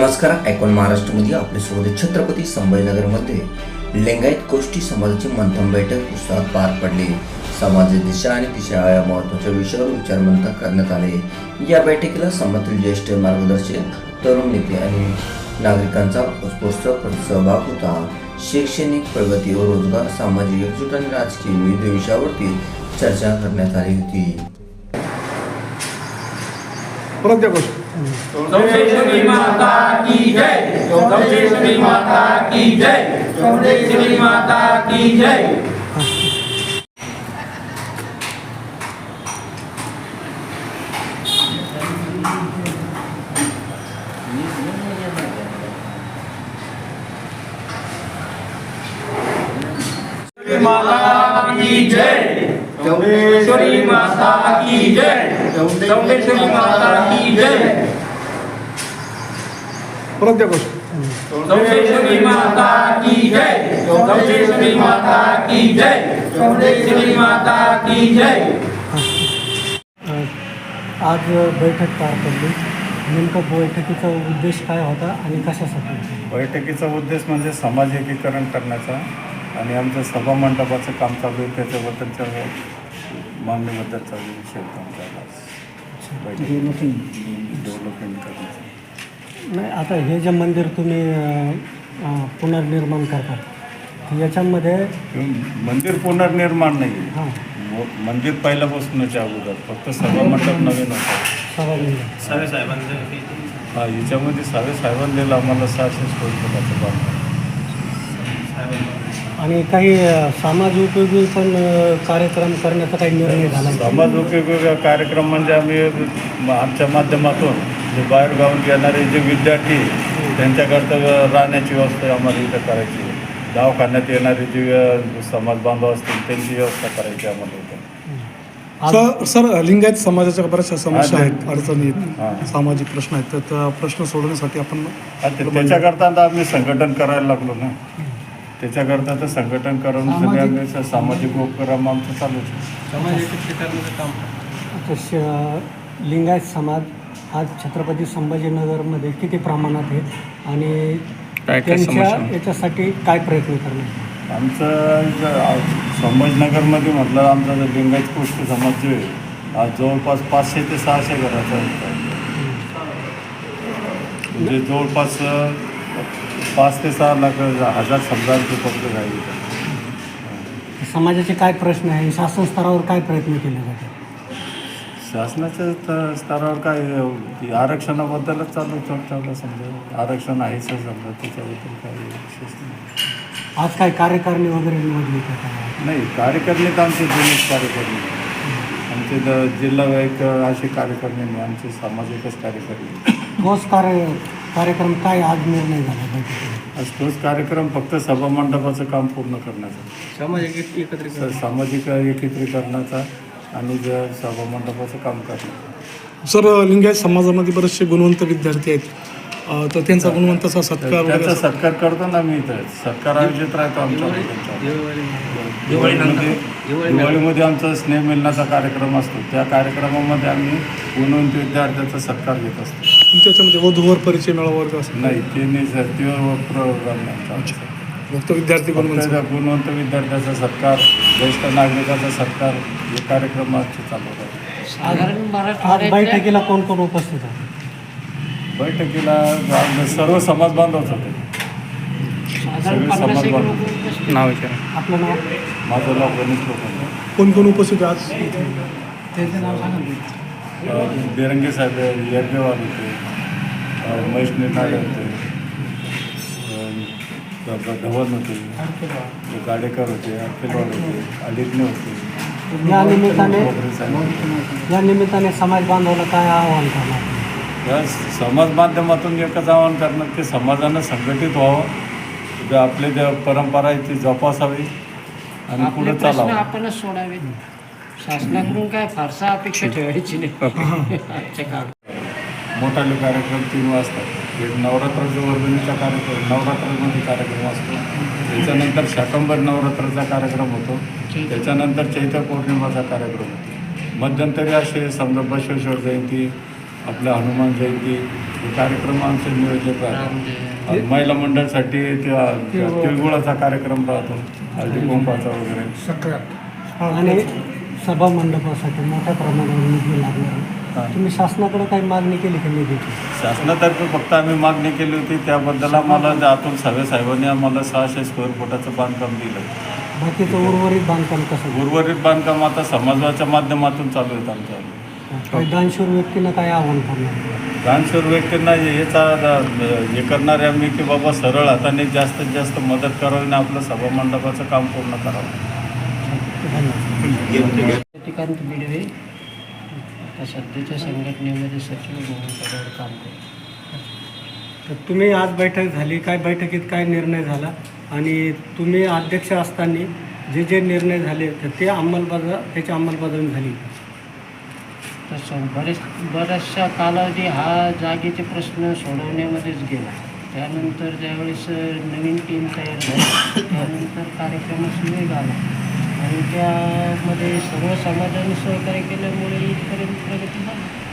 नमस्कार, आयकॉन महाराष्ट्रामध्ये आपले स्वागत. छत्रपती संभाजीनगरमध्ये लिंगायत गोष्टी समाजाची मंथन बैठक उत्साहात पार पडली. समाजाची दिशा आणि दिशा या महत्त्वाच्या विषयावर विचारमंथन करण्यात आले. या बैठकीला समाजातील ज्येष्ठ मार्गदर्शक, तरुण नेते आणि नागरिकांचा उत्स्फूर्त सहभाग होता. शैक्षणिक प्रगती व रोजगार, सामाजिक एकजूट आणि राजकीय विविध विषयावरती चर्चा करण्यात आली होती. श्री माता की जय, श्री माता की जय, श्री माता की जय. श्री माता की जय, श्री माता की जय, श्री माता की जय. श्री माता की जय, श्री माता की जय, श्री माता की जय. आज बैठक पार पडली. नेमका बैठकीचा उद्देश काय होता आणि कशासाठी? बैठकीचा उद्देश म्हणजे समाज एकीकरण करण्याचा आणि आमचं सभामंडपाचं काम चालू आहे त्याच्याबद्दलच्या मागणीबद्दलचा विषय डेव्हलपमेंट करण्याचा. नाही, आता हे जे मंदिर तुम्ही पुनर्निर्माण करतात याच्यामध्ये मंदिर पुनर्निर्माण नाही हां आहे. मंदिर पहिल्यापासूनच अगोदर फक्त सभामंडप नवीन होता. सभा हा, याच्यामध्ये साहेबांनी दिलं आम्हाला 600 स्क्वेअर फुटाचं बांधकाम. आणि काही समाज उपयोगी पण कार्यक्रम करण्याचा काही निर्णय झाला. समाज उपयोगी कार्यक्रम म्हणजे आम्ही आमच्या माध्यमातून जे बाहेर गावून येणारे जे विद्यार्थी त्यांच्याकरता राहण्याची व्यवस्था आम्हाला इथं करायची. दवाखान्यात येणारे जे समाज बांधव असतील त्यांची व्यवस्था करायची आम्हाला इथं. सर, लिंगायत समाजाच्या बऱ्याचशा समस्या आहेत, अडचणी आहेत, सामाजिक प्रश्न आहेत. तर त्या प्रश्न सोडवण्यासाठी आपण त्याच्याकरता आता आम्ही संघटन करायला लागलो ना. त्याच्याकरता तर संघटन करून सगळे आम्ही सामाजिक उपक्रम आमचं चालूच आता लिंगायत समाज आज छत्रपती संभाजीनगरमध्ये किती प्रमाणात आहे आणि त्यांच्या याच्यासाठी काय प्रयत्न करणार? आमचं संभाजीनगरमध्ये म्हटलं आमचा जो लिंगायत गोष्टी समाज जो आहे आज जवळपास 500 ते 600 घराचा आहे. म्हणजे जवळपास 5 ते 6 लाख हजार समजांचे फक्त राहिले. समाजाचे काय प्रश्न आहे? शासन स्तरावर काय प्रयत्न केले जातात? शासनाच्या स्तरावर काय आरक्षणाबद्दलच चालू समजा आरक्षण आहेच समजा त्याच्याबद्दल काही विशेष नाही. आज काय कार्यकारिणी वगैरे निवडली का? नाही, कार्यकारिणी तर आमचे जुनीच कार्यकारिणी आमचे जिल्हा एक अशी कार्यकारिणी नाही, आमचे सामाजिकच कार्यकारिणी. तोच कार्यक्रम काय आज निर्णय झाला बैठकीत? आज तोच कार्यक्रम फक्त सभामंडपाचं काम पूर्ण करण्याचा, सामाजिक एकत्रीकरणाचा आणि सभामंडपाचं काम करण्याचं. सर, लिंगायत समाजामध्ये बरेचसे गुणवंत विद्यार्थी आहेत, तर त्यांचा गुणवंताचा सत्कार त्याचा सत्कार करतो ना. मी इथं सत्कार आयोजित राहतो आमच्या दिवाळीमध्ये आमचा स्नेह मिलनाचा कार्यक्रम असतो. त्या कार्यक्रमामध्ये आम्ही गुणवंत विद्यार्थ्याचा सत्कार घेत असतो. तुमच्यामध्ये वधूवर परिचय मेळावा वर्ग असतो? नाही, ते नाही सर, ते प्रोग्राम नाही. फक्त विद्यार्थी गुणवंत विद्यार्थ्याचा सत्कार, ज्येष्ठ नागरिकाचा सत्कार हे कार्यक्रम आजचे चालू आहेत. आज बैठकीला कोण कोण उपस्थित आहे? बैठकीला सर्व समाज बांधवच होते. सगळे समाज बांधव. नाव विचारा. आपलं नाव? माझं नाव गणेश लोखंडे. कोण कोण उपस्थित आहे आज? त्यांचं नाव सांगा. बेरंगे साहेब यज्ञवाल होते, महेश निर्नाळे होते, धवन होते, गाडेकर होते, अखिलवाड होते, अलिग्ने होते. या निमित्ताने समाज बांधवाला काय आवाहन करणार? या समाज माध्यमातून एकच आवाहन करणार की समाजानं संघटित व्हावं, आपले ज्या परंपरा आहे ती जोपासावी आणि पुढे चालावं. आपणच सोडावे. शासनाकडून काय फारसा अपेक्षा ठेवायची नाही. मोठाले कार्यक्रम 3 वाजता. एक नवरात्राचा वर्गणीचा कार्यक्रम, नवरात्रामध्ये कार्यक्रम असतो. त्याच्यानंतर शाकंभर नवरात्राचा कार्यक्रम होतो. त्याच्यानंतर चैत्र पौर्णिमाचा कार्यक्रम होतो. मध्यंतरी असे समजा बसवेश्वर जयंती, आपल्या हनुमान जयंती हे कार्यक्रम आमचे नियोजित राहतात. आणि महिला मंडळासाठी तिळगुळाचा कार्यक्रम राहतो, हळदी कुंकवाचा वगैरे. आणि सभा मंडपासाठी मोठ्या प्रमाणावर निधी लागणार आहे. तुम्ही शासनाकडे काही मागणी केली की निधीची? शासनातर्फे फक्त आम्ही मागणी केली होती, त्याबद्दल आम्हाला अतुल सावे साहेबांनी आम्हाला 600 स्क्वेअर फुटाचं बांधकाम दिलं. बाकीचं उर्वरित बांधकाम कसं? उर्वरित बांधकाम आता समाजाच्या माध्यमातून चालू आहेत आमच्या. काही दानशूर व्यक्तींना काय आव्हान करणार? दानशूर व्यक्तींना हे करणारे आम्ही की बाबा सरळ हाताने जास्तीत जास्त मदत करावी आणि आपलं सभा मंडपाचं काम पूर्ण करावं. शशिकांत बिडवे आता सध्याच्या संघटनेमध्ये सचिव म्हणून पदावर काम करतो. तर तुम्ही आज बैठक झाली, काय बैठकीत काय निर्णय झाला आणि तुम्ही अध्यक्ष असताना जे निर्णय झाले तर त्याची अंमलबजावणी झाली? तसं बराचसा कालावधी हा जागेचे प्रश्न सोडवण्यामध्येच गेला. त्यानंतर ज्यावेळेस नवीन टीम तयार झाली त्यानंतर कार्यक्रमास वेग आला आणि त्यामध्ये सर्व समाजाने सहकार्य केल्यामुळे इथपर्यंत प्रगती झाली.